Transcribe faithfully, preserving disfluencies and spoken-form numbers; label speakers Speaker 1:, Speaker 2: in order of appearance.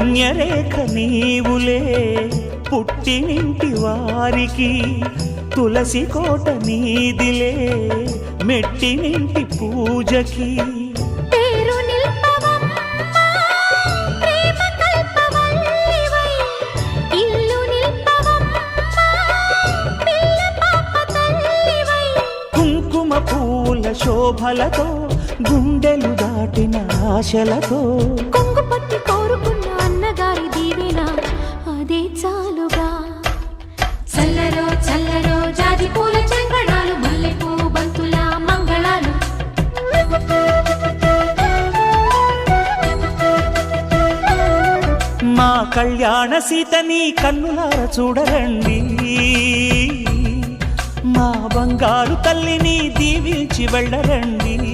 Speaker 1: పుణ్యరేఖ నీవులే పుట్టినింటి వారికి తులసి కోట నీదిలే మెట్టినింటి పూజకి కుంకుమ పూల శోభలతో గుండెలు దాటిన ఆశలతో
Speaker 2: కొంగు పట్టి కోరుకున్న అన్నగారి దీవెన అదే చాలుగా చల్లరో చల్లరో జాజి పూల చెంగడాలు మల్లెపూ బంతుల మంగళాలు
Speaker 1: మా కళ్యాణ సీతని కన్నులార చూడరండి మా బంగారు తల్లిని దీవించి వెళ్ళరండి